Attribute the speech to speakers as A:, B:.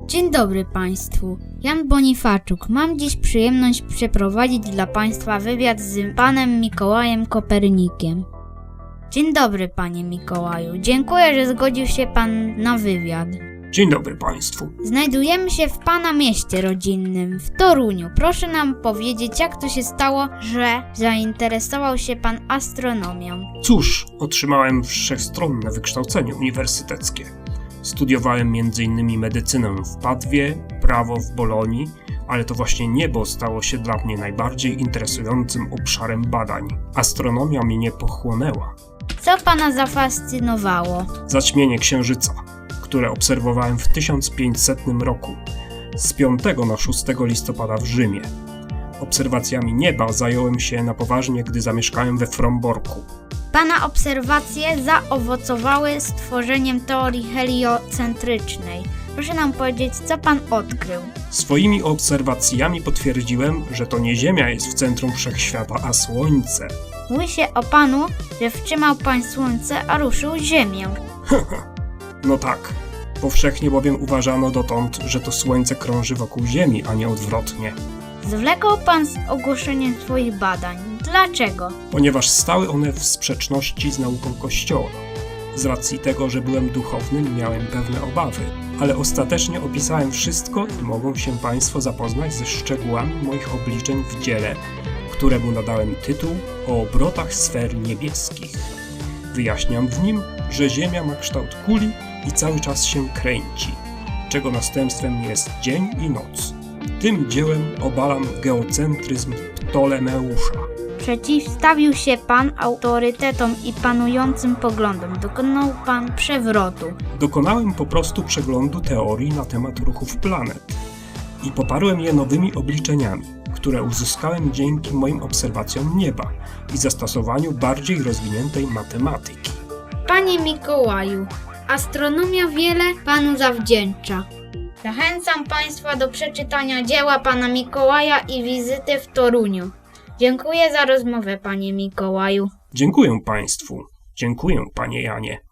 A: Dzień dobry Państwu, Jan Bonifaczuk. Mam dziś przyjemność przeprowadzić dla Państwa wywiad z Panem Mikołajem Kopernikiem. Dzień dobry Panie Mikołaju, dziękuję, że zgodził się Pan na wywiad.
B: Dzień dobry Państwu.
A: Znajdujemy się w Pana mieście rodzinnym, w Toruniu. Proszę nam powiedzieć, jak to się stało, że zainteresował się Pan astronomią.
B: Cóż, otrzymałem wszechstronne wykształcenie uniwersyteckie. Studiowałem m.in. medycynę w Padwie, prawo w Bolonii, ale to właśnie niebo stało się dla mnie najbardziej interesującym obszarem badań. Astronomia mnie pochłonęła.
A: Co Pana zafascynowało?
B: Zaćmienie Księżyca, które obserwowałem w 1500 roku, z 5 na 6 listopada w Rzymie. Obserwacjami nieba zająłem się na poważnie, gdy zamieszkałem we Fromborku.
A: Pana obserwacje zaowocowały stworzeniem teorii heliocentrycznej. Proszę nam powiedzieć, co Pan odkrył?
B: Swoimi obserwacjami potwierdziłem, że to nie Ziemia jest w centrum wszechświata, a Słońce.
A: Mówi się o Panu, że wtrzymał Pan Słońce, a ruszył Ziemię.
B: No tak, powszechnie bowiem uważano dotąd, że to Słońce krąży wokół Ziemi, a nie odwrotnie.
A: Zwlekał Pan z ogłoszeniem swoich badań. Dlaczego?
B: Ponieważ stały one w sprzeczności z nauką Kościoła. Z racji tego, że byłem duchownym, miałem pewne obawy, ale ostatecznie opisałem wszystko i mogą się Państwo zapoznać ze szczegółami moich obliczeń w dziele, któremu nadałem tytuł o obrotach sfer niebieskich. Wyjaśniam w nim, że Ziemia ma kształt kuli i cały czas się kręci, czego następstwem jest dzień i noc. Tym dziełem obalam geocentryzm Ptolemeusza.
A: Przeciwstawił się Pan autorytetom i panującym poglądom. Dokonał Pan przewrotu.
B: Dokonałem po prostu przeglądu teorii na temat ruchów planet i poparłem je nowymi obliczeniami, które uzyskałem dzięki moim obserwacjom nieba i zastosowaniu bardziej rozwiniętej matematyki.
A: Panie Mikołaju, astronomia wiele Panu zawdzięcza. Zachęcam Państwa do przeczytania dzieła Pana Mikołaja i wizyty w Toruniu. Dziękuję za rozmowę, Panie Mikołaju.
B: Dziękuję Państwu. Dziękuję, Panie Janie.